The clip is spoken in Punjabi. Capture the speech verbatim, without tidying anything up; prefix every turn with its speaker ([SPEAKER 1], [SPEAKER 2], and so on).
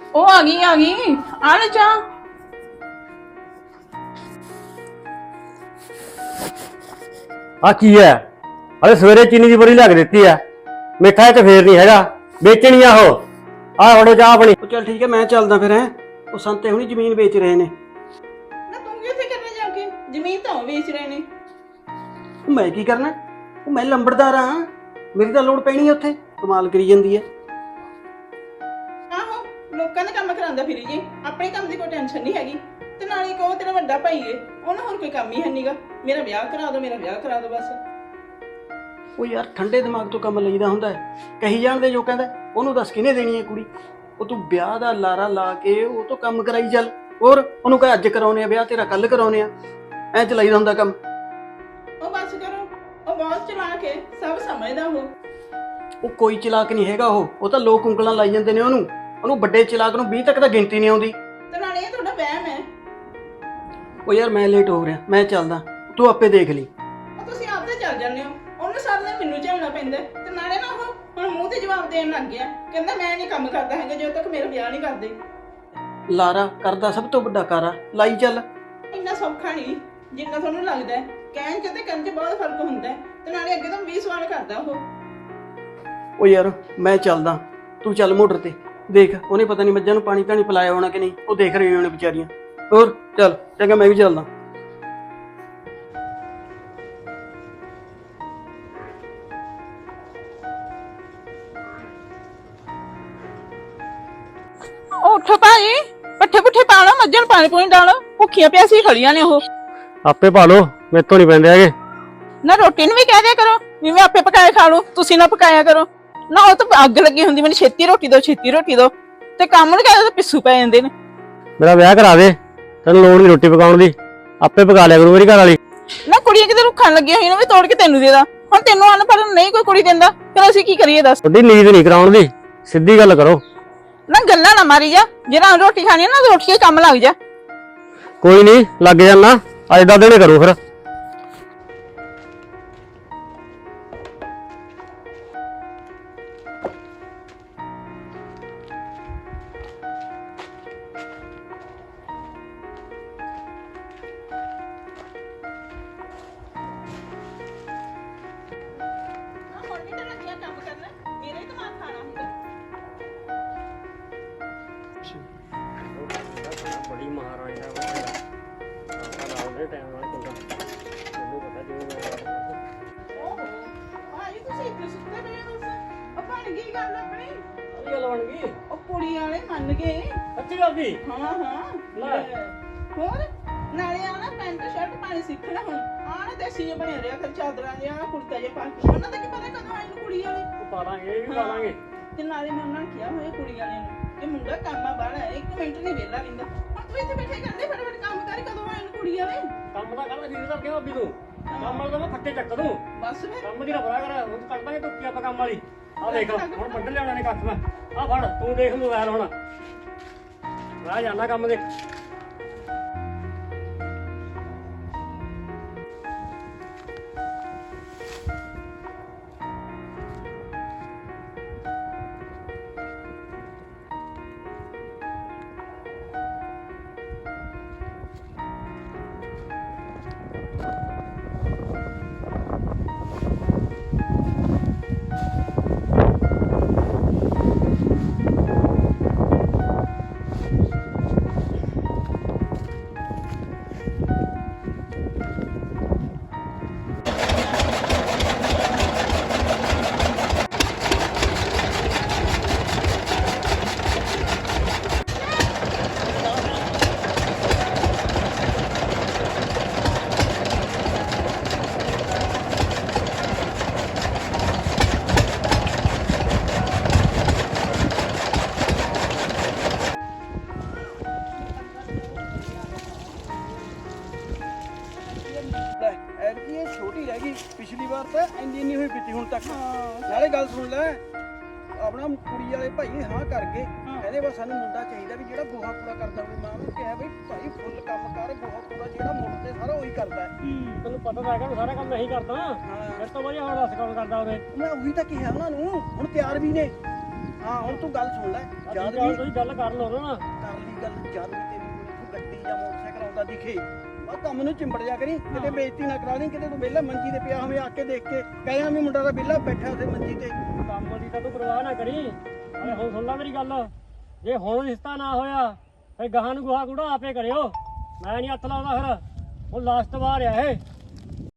[SPEAKER 1] ਉਹ ਆ ਗਈ ਆ ਗਈ ਆ ਲੈ ਚਾਹ।
[SPEAKER 2] ਆ ਕੀ ਹੈ? ਅਰੇ ਸਵੇਰੇ ਚੀਨੀ ਦੀ ਬੋਰੀ ਲਿਆ ਕੇ ਦਿੱਤੀ ਆ, ਮਿੱਠਾ ਇਹ ਚ ਫੇਰ ਨਹੀਂ ਹੈਗਾ, ਵੇਚਣੀ ਆ ਉਹ। ਆ ਫੜੋ ਚਾਹ ਆਪਣੀ।
[SPEAKER 3] ਉਹ ਚੱਲ ਠੀਕ ਹੈ, ਮੈਂ ਚੱਲਦਾ ਫਿਰ। ਹੈ ਉਹ ਸੰਤੇ ਹੁਣੀ ਜ਼ਮੀਨ ਵੇਚ ਰਹੇ ਨੇ।
[SPEAKER 1] ਨਾ ਤੂੰ ਕੀ ਉੱਥੇ ਕਰਨੇ ਜਾ ਕੇ? ਜ਼ਮੀਨ ਤਾਂ ਉਹ ਵੇਚ ਰਹੇ ਨੇ।
[SPEAKER 3] ਉਹ ਮੈਂ ਕੀ ਕਰਨਾ? ਉਹ ਮੈਂ ਲੰਬੜਦਾਰ ਆ, ਮੇਰੀ ਤਾਂ ਲੋੜ ਪੈਣੀ ਹੈ ਉੱਥੇ। ਕਮਾਲ ਕਰੀ ਜਾਂਦੀ ਹੈ।
[SPEAKER 1] ਆਹੋ ਲੋਕਾਂ ਦੇ ਕੰਮ ਕਰਾਉਂਦਾ ਫਿਰੀ ਜੀ, ਆਪਣੇ ਕੰਮ ਦੀ ਕੋਈ ਟੈਨਸ਼ਨ ਨਹੀਂ ਹੈਗੀ। ਤੇ ਨਾਲੇ ਕਹੋ ਤੇਰਾ ਵੱਡਾ ਭਾਈ ਏ, ਉਹਨੂੰ ਹੋਰ ਕੋਈ ਕੰਮ ਹੀ ਹੈ ਨਹੀਂਗਾ। ਮੇਰਾ ਵਿਆਹ ਕਰਾ ਦੋ, ਮੇਰਾ ਵਿਆਹ ਕਰਾ ਦੋ ਬਸ।
[SPEAKER 3] ਉਹ ਯਾਰ ਠੰਡੇ ਦਿਮਾਗ ਤੋਂ ਕੰਮ ਲਈਦਾ ਹੁੰਦਾ ਹੈ। ਕਹੀ ਜਾਣਦੇ ਜੋ ਕਹਿੰਦਾ ਉਹਨੂੰ ਦੱਸ ਕਿਹਨੇ ਦੇਣੀ ਹੈ ਕੁੜੀ। ਉਹ ਤੂੰ ਵਿਆਹ ਦਾ ਲਾਰਾ ਲਾ ਕੇ ਉਹ ਤੋਂ ਕੰਮ ਕਰਾਈ ਚੱਲ। ਹੋਰ ਉਹਨੂੰ ਕਹੇ ਅੱਜ ਕਰਾਉਣੇ ਆ ਵਿਆਹ ਤੇਰਾ, ਕੱਲ ਕਰਾਉਣੇ ਆ। ਐ ਚਲਾਈਦਾ ਹੁੰਦਾ ਕੰਮ।
[SPEAKER 1] ਉਹ ਬਸ ਕਰੋ, ਉਹ ਬਹੁਤ ਚਲਾ ਕੇ ਸਭ ਸਮਝਦਾ ਉਹ।
[SPEAKER 3] ਉਹ ਕੋਈ ਚਲਾਕ ਨਹੀਂ ਹੈਗਾ ਉਹ ਉਹ ਤਾਂ ਲੋਕ ਉਂਗਲਾਂ ਲਾਈ ਜਾਂਦੇ ਨੇ ਉਹਨੂੰ। ਉਹਨੂੰ ਵੱਡੇ ਚਲਾਕ ਨੂੰ ਵੀਹ ਤੱਕ ਤਾਂ ਗਿਣਤੀ ਨਹੀਂ ਆਉਂਦੀ।
[SPEAKER 1] ਤੇ ਨਾਲੇ ਇਹ ਤੁਹਾਡਾ ਵਹਿਮ ਹੈ।
[SPEAKER 3] ਉਹ ਯਾਰ ਮੈਂ ਲੇਟ ਹੋ ਰਿਹਾ, ਮੈਂ ਚੱਲਦਾ, ਤੂੰ ਆਪੇ ਦੇਖ ਲਈ।
[SPEAKER 1] ਉਹ ਤੁਸੀਂ ਆਪ ਤਾਂ ਚੱਲ ਜਾਂਦੇ ਹੋ, ਉਹਨੂੰ ਸਾਰਾ ਦਿਨ ਮੈਨੂੰ ਝੱਲਣਾ ਪੈਂਦਾ। ਤੇ ਨਾਲੇ ਨਾ ਉਹ ਹੁਣ ਮੂੰਹ ਤੇ ਜਵਾਬ ਦੇਣ ਲੱਗ ਗਿਆ, ਕਹਿੰਦਾ ਮੈਂ ਨਹੀਂ ਕੰਮ ਕਰਦਾ ਹੈਗਾ ਜਦੋਂ ਤੱਕ ਮੇਰਾ ਵਿਆਹ ਨਹੀਂ ਕਰਦੇ।
[SPEAKER 3] ਲਾਰਾ ਕਰਦਾ ਸਭ ਤੋਂ ਵੱਡਾ ਕਾਰਾ, ਲਾਈ ਚੱਲ।
[SPEAKER 1] ਇੰਨਾ ਸੌਖਾ ਨਹੀਂ ਜਿੰਨਾ ਤੁਹਾਨੂੰ ਲੱਗਦਾ ਹੈ। ਕਹਿਣ ਚ ਤੇ ਕਰਨ ਚ ਬਹੁਤ ਫਰਕ ਹੁੰਦਾ ਹੈ। ਤੇ ਨਾਲੇ ਅੱਗੇ ਤੋਂ ਵੀਹ ਸਵਾਲ ਕਰਦਾ ਉਹ।
[SPEAKER 3] ਉਹ ਯਾਰ ਮੈਂ ਚੱਲਦਾ, ਤੂੰ ਚੱਲ ਮੋਟਰ ਤੇ ਦੇਖ। ਉਹਨੇ ਪਤਾ ਨਹੀਂ ਮੱਝਾਂ ਨੂੰ ਪਾਣੀ ਤਾਂ ਨਹੀਂ ਪਿਲਾਇਆ ਹੋਣਾ ਕਿ ਨਹੀਂ, ਉਹ ਦੇਖ ਰਹੀ ਹੋਣੇ ਵਿਚਾਰੀਆਂ। ਹੋਰ ਚੱਲ ਚੰਗਾ, ਮੈਂ ਵੀ ਚੱਲਦਾ।
[SPEAKER 1] ਉੱਠੋ ਭਾਈ, ਪੱਠੇ ਪੁੱਠੇ ਪਾ ਲਓ, ਮੱਝਾਂ ਨੂੰ ਪਾਣੀ ਪੂਣੀ ਡਾਲੋ। ਭੁੱਖੀਆਂ ਪਿਆਸੀ ਖੜੀਆਂ ਨੇ ਉਹ।
[SPEAKER 2] ਆਪੇ ਪਾ ਲੋ, ਮੇਰੇ ਤੋਂ ਨਹੀਂ ਪੈਂਦੇ ਹੈਗੇ।
[SPEAKER 1] ਨਾ ਰੋਟੀ ਨੂੰ ਵੀ ਕਹਿ ਦਿਆ ਕਰੋ ਵੀ ਮੈਂ ਆਪੇ ਪਕਾਏ ਖਾ ਲੂ, ਤੁਸੀਂ ਨਾ ਪਕਾਇਆ ਕਰੋ। ਨਾ ਉਹ ਤਾਂ ਅੱਗ ਲੱਗੀ ਹੁੰਦੀ, ਮੈਨੂੰ ਛੇਤੀ ਰੋਟੀ ਦੋ, ਛੇਤੀ ਰੋਟੀ ਦੋ। ਤੇ ਕੰਮ ਨੂੰ ਕਹਿੰਦੇ ਪਿੱਸੂ ਪੈ ਜਾਂਦੇ ਨੇ।
[SPEAKER 2] ਮੇਰਾ ਵਿਆਹ ਕਰਾ ਦੇ, ਤੈਨੂੰ ਲੋੜ ਨਹੀਂ ਰੋਟੀ ਪਕਾਉਣ ਦੀ, ਆਪੇ ਪਕਾ ਲਿਆ ਕਰੂ ਮੇਰੀ ਘਰ ਵਾਲੀ।
[SPEAKER 1] ਨਾ ਕੁੜੀਆਂ ਕਿਤੇ ਰੁੱਖਣ ਲੱਗੀਆਂ ਹੋਈਆਂ ਨੇ, ਵੀ ਤੋੜ ਕੇ ਤੈਨੂੰ ਦੇ ਦਾਂ। ਹੁਣ ਤੈਨੂੰ ਅਨਪੜ੍ਹ ਨਹੀਂ ਕੋਈ ਕੁੜੀ ਦਿੰਦਾ, ਫਿਰ ਅਸੀਂ ਕੀ ਕਰੀਏ ਦੱਸ।
[SPEAKER 2] ਤੁਹਾਡੀ ਨੀਂਦ ਨਹੀਂ ਕਰਾਉਣ ਦੀ, ਸਿੱਧੀ ਗੱਲ ਕਰੋ।
[SPEAKER 1] ਨਾ ਗੱਲਾਂ ਨਾ ਮਾਰੀ ਜਾ, ਜਿਹੜਾ ਰੋਟੀ ਖਾਣੀ ਹੈ ਨਾ ਰੋਟੀ ਕੰਮ ਲੱਗ ਜਾ।
[SPEAKER 2] ਕੋਈ ਨਹੀਂ ਲੱਗ ਜਾਣਾ, ਅੱਜ ਦਾ ਦਿਨ ਕਰੋ ਫਿਰ।
[SPEAKER 1] ਹੁਣ ਵੀ ਤਾਂ ਲੱਗਿਆ ਕੰਮ ਕਰਨਾ, ਮੇਰਾ ਹੀ ਦਿਮਾਗ ਖਾਣਾ ਹੁੰਦਾ।
[SPEAKER 2] ਬੜੀ ਮਹਾਰਾਣੀ ਦਾ ਆਪਾਂ ਨਾਲ ਦੇ ਟਾਈਮ ਨਾਲ ਚੰਗਾ, ਮੈਨੂੰ ਪਤਾ ਜਿਵੇਂ ਮੈਂ
[SPEAKER 1] ਓਹੋ ਭਾਈ ਤੁਸੀਂ ਇੱਥੇ ਸੁੱਤੇ ਪਏ ਹੋ ਬਸ। ਉਹ ਬਣ ਗਈ ਗੱਲ ਆਪਣੀ।
[SPEAKER 2] ਕੀ ਗੱਲ ਬਣ ਗਈ?
[SPEAKER 1] ਉਹ ਕੁੜੀ ਵਾਲੇ ਮੰਨ ਗਏ।
[SPEAKER 2] ਅੱਛੀ ਗੱਲ ਦੀ।
[SPEAKER 1] ਹਾਂ ਹਾਂ
[SPEAKER 2] ਲੈ।
[SPEAKER 1] ਹੋਰ ਨਾਲੇ ਆ ਨਾ ਪੈਂਟ ਸ਼ਰਟ ਪਾਣੀ ਸਿੱਖਣਾ ਹੁਣ। ਆ ਨਾ ਦੇਸੀ ਜਿਹਾ ਬਣਿਆ ਰਿਹਾ ਫਿਰ ਚਾਦਰਾਂ ਜਿਹਾ ਕੁੜਤਾ ਜਿਹਾ ਪਾ ਕੇ। ਉਹਨਾਂ ਦਾ ਕੀ ਪਤਾ ਕਦੋਂ ਆਈ ਨੂੰ ਕੁੜੀ ਵਾਲੇ।
[SPEAKER 2] ਉਹ ਪਾ ਲਾਂਗੇ, ਇਹ ਵੀ ਪਾ ਲਾਂਗੇ।
[SPEAKER 1] ਤੇ ਨਾਲੇ ਮੈਂ ਉਹਨਾਂ ਨੂੰ ਕਿਹਾ ਹੋਇਆ ਕੁੜੀ ਵਾਲਿਆਂ ਨੂੰ ਕਿ ਮੁੰਡਾ ਕੰਮਾਂ ਬਾਹਲਾ ਹੈ, ਇੱਕ ਮਿੰਟ ਨਹੀਂ ਵਿਹਲਾ ਰਹਿੰਦਾ। ਹੁਣ ਤੂੰ ਇੱਥੇ ਬੈਠੇ ਕਰਦੇ ਫਟਾਫਟ ਕੰਮ ਕਰ, ਕਦੋਂ ਆਈ ਨੂੰ ਕੁੜੀ ਵਾਲੇ।
[SPEAKER 2] ਕੰਮ ਤਾਂ ਕਰਦਾ ਫਿਰ ਤਾਂ ਕਿਉਂ ਅੱਬੀ ਤੂੰ ਕੰਮ ਵਾਲਾ ਤਾਂ ਮੈਂ ਫੱਟੇ ਚੱਕ ਦੂੰ।
[SPEAKER 1] ਬਸ ਫਿਰ
[SPEAKER 2] ਕੰਮ ਦੀ ਨਾ ਬੜਾ ਕਰ, ਹੁਣ ਕੱਢ ਦਾਂਗੇ ਟੁੱਕੀ ਆਪਾਂ ਕੰਮ ਵਾਲੀ। ਆ ਦੇਖ ਹੁਣ ਵੱਢ ਲਿਆਉਣਾ ਨੇ ਕੱਖ ਮੈਂ। ਆ ਫੜ ਤੂੰ ਦੇਖ ਮੋਬਾਈਲ ਹੁਣ, ਮੈਂ ਜਾਣਾ ਕੰਮ ਦੇ।
[SPEAKER 3] ਐਤਕੀ ਇਹ ਛੋਟੀ ਰਹਿ ਗਈ, ਪਿਛਲੀ ਵਾਰ ਤਾਂ ਇੰਨੀ ਨਹੀਂ ਹੋਈ ਪੀਤੀ ਹੁਣ ਤੱਕ। ਨਾਲੇ ਗੱਲ ਸੁਣ ਲੈ, ਆਪਣਾ ਕੁੜੀ ਵਾਲੇ ਭਾਈ ਹਾਂ ਕਰ ਗਏ, ਕਹਿੰਦੇ ਬਸ ਸਾਨੂੰ ਮੁੰਡਾ ਚਾਹੀਦਾ ਵੀ ਜਿਹੜਾ ਗੋਹਾ ਕੂੜਾ ਕਰਦਾ ਹੋਵੇ। ਮਾਂ ਨੂੰ ਕਿਹਾ ਬਈ ਭਾਈ ਫੁੱਲ ਕੰਮ ਕਰ, ਗੋਹਾ ਕੂੜਾ ਜਿਹੜਾ ਮੁੰਡ ਤੇ ਸਾਰਾ ਉਹੀ ਕਰਦਾ ਹੈ।
[SPEAKER 2] ਤੈਨੂੰ ਪਤਾ ਤਾਂ ਹੈਗਾ ਸਾਰਾ ਕੰਮ ਨਹੀਂ ਕਰਦਾ, ਫਿਰ ਤੋਂ ਵਧੀਆ ਹੁਣ ਦੱਸ ਕੌਣ ਕਰਦਾ ਉਹਨੇ।
[SPEAKER 3] ਮੈਂ ਉਹੀ ਤਾਂ ਕਿਹਾ ਉਹਨਾਂ ਨੂੰ, ਹੁਣ ਤਿਆਰ ਵੀ ਨੇ। ਹਾਂ ਹੁਣ ਤੂੰ ਗੱਲ ਸੁਣ ਲੈ ਜਦ
[SPEAKER 4] ਗੱਲ
[SPEAKER 3] ਵੀ
[SPEAKER 4] ਤੁਸੀਂ ਗੱਲ ਕਰ ਲਓ ਨਾ
[SPEAKER 3] ਕਰ ਲਈ ਗੱਲ ਜਦ ਵੀ ਤੇਰੀ ਕੋਈ ਗੱਡੀ ਜਾਂ ਮੋਟਰਸਾਈਕਲ ਆਉਂਦਾ ਦਿਖੇ ਬਾ ਕੰਮ ਨੂੰ ਚਿੰਬੜ ਜਾ ਕਰੀ ਕਿਤੇ ਬੇਇੱਜ਼ਤੀ ਨਾ ਕਰਾ ਦੀ ਕਿਤੇ ਤੂੰ ਵਿਹਲਾ ਮੰਜੀ ਤੇ ਪਿਆ ਹੋਵੇਂ ਆ ਕੇ ਦੇਖ ਕੇ ਕਹਿਆ ਵੀ ਮੁੰਡਾ ਤਾਂ ਵਿਹਲਾ ਬੈਠਾ ਉੱਥੇ ਮੰਜੀ ਤੇ
[SPEAKER 4] ਕੰਮ ਦੀ ਤਾਂ ਤੂੰ ਪਰਵਾਹ ਨਾ ਕਰੀ ਅਰੇ ਹੁਣ ਸੁਣ ਲੈ ਮੇਰੀ ਗੱਲ ਜੇ ਹੁਣ ਰਿਸ਼ਤਾ ਨਾ ਹੋਇਆ ਫਿਰ ਗਾਹਾਂ ਨੂੰ ਗੁਹਾ ਕੂੜਾ ਆਪੇ ਕਰਿਓ ਮੈਂ ਨਹੀਂ ਹੱਥ ਲਾਉਂਦਾ ਫਿਰ ਹੁਣ ਲਾਸਟ ਵਾਰ ਆ ਇਹ